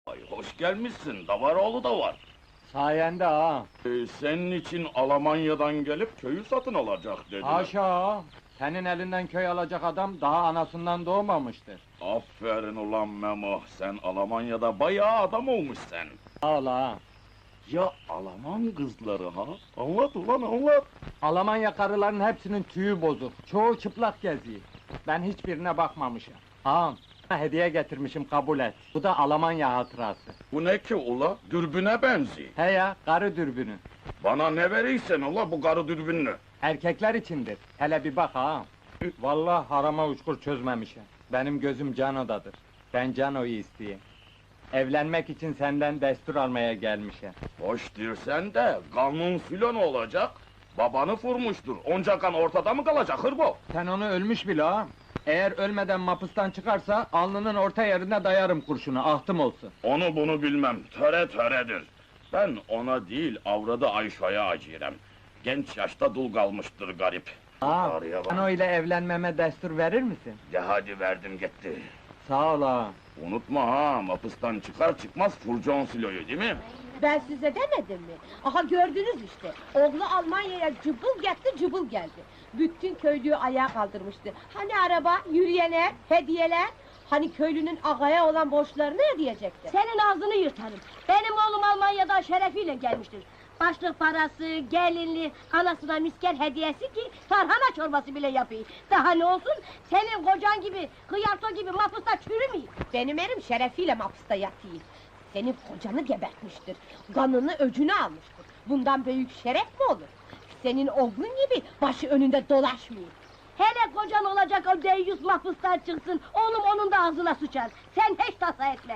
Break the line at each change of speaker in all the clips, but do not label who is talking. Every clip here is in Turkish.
Ay, hoş gelmişsin, Davaroğlu da var.
Sayende ha.
Senin için Almanya'dan gelip köyü satın alacak dediler.
Haşa ha. Senin elinden köy alacak adam daha anasından doğmamıştır.
Aferin ulan Memo, sen Almanya'da bayağı adam olmuşsun.
Sağ ol ha.
Ya Alman kızları ha? Anlat ulan anlat.
Almanya karıların hepsinin tüyü bozuk. Çoğu çıplak geziyor. Ben hiçbirine bakmamışım. Ağam, hediye getirmişim kabul et. Bu da Almanya hatırası.
Bu ne ki ula? Dürbüne benziyor.
He ya, karı dürbünü.
Bana ne verirsen ula bu karı dürbünlü.
Erkekler içindir. Hele bir bak ağam. Vallahi harama uçkur çözmemişim. Benim gözüm Cano'dadır. Ben Cano'yu isteyeyim. Evlenmek için senden destur almaya gelmişim.
Hoş dirsen de kanun filan olacak. Babanı vurmuştur. Onca kan ortada mı kalacak hırbo?
Sen onu ölmüş bile ağam. Eğer ölmeden mapustan çıkarsa, alnının orta yerine dayarım kurşunu, ahtım olsun.
Onu bunu bilmem. Töre töredir. Ben ona değil avradı Ayşe'ye acırem. Genç yaşta dul kalmıştır garip.
Ağam,
Ağrıya bak.
Cano ile evlenmeme destur verir misin?
De hadi verdim gitti.
Sağ ol ağam.
Unutma ha, mapıstan çıkar çıkmaz furcon siloyu değil mi?
Ben size demedim mi? Aha gördünüz işte. Oğlu Almanya'ya cıbıl gitti, cıbıl geldi. Bütün köylüyü ayağa kaldırmıştı. Hani araba, yürüyenler, hediyeler? Hani köylünün ağaya olan borçlarını ödeyecekti?
Senin ağzını yırtarım. Benim oğlum Almanya'dan şerefiyle gelmiştir. Başlık parası, gelinli, anasına misker hediyesi ki tarhana çorbası bile yapayım. Daha ne olsun, senin kocan gibi, hıyarto gibi mapusta çürümeyeyim.
Benim erim şerefiyle mahpusta yatıyor. Senin kocanı gebertmiştir. Kanını öcünü almıştır. Bundan büyük şeref mi olur? Senin oğlun gibi başı önünde dolaşmıyor.
Hele kocan olacak o deyyus mahpustan çıksın, oğlum onun da ağzına sıçar. Sen hiç tasa etme.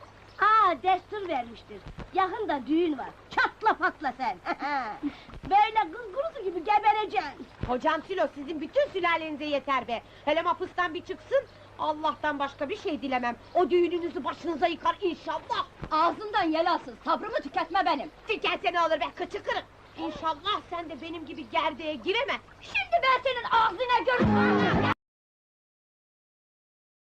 Destur vermiştir. Yakında düğün var. Çatla patla sen. Böyle kız kurusu gibi gebereceksin.
Kocam Silo sizin bütün sülalenize yeter be. Hele mahpustan bir çıksın, Allah'tan başka bir şey dilemem. O düğününüzü başınıza yıkar inşallah.
Ağzından yel alsın, sabrımı tüketme benim.
Tükense ne olur be, kıçı kırık! İnşallah sen de benim gibi gerdeğe giremez.
Şimdi ben senin ağzına görürüm.